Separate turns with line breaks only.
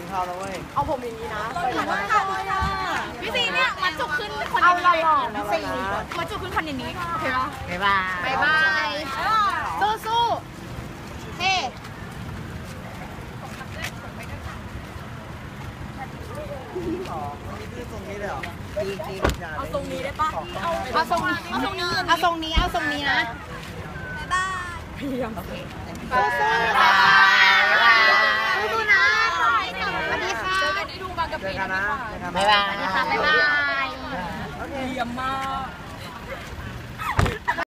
เท้าแล้วเว้ย
เอาผมอย่างนี้นะ
พี่ซีเนี่ยมัดจุกขึ้นคน
เอา
นี้
หล่อๆนะสิ
มัดจุกขึ้นคนอย่างนี้โอเคปะ
บ๊ายบาย
บายบายสู้สู้เฮ้
นี่ตรงนี้เลยเหรอจริงเอาตรงนี้ได้ปะ
เอาทรงนี้เอาทรงนี้เอาทรงนี้เอาทรงนี้นะสู้สู้สู้นะสวัสดีค่ะ
เจอกันนะ
บ๊ายบาย
บ๊ายบาย
โอเคเยี่ยมมาก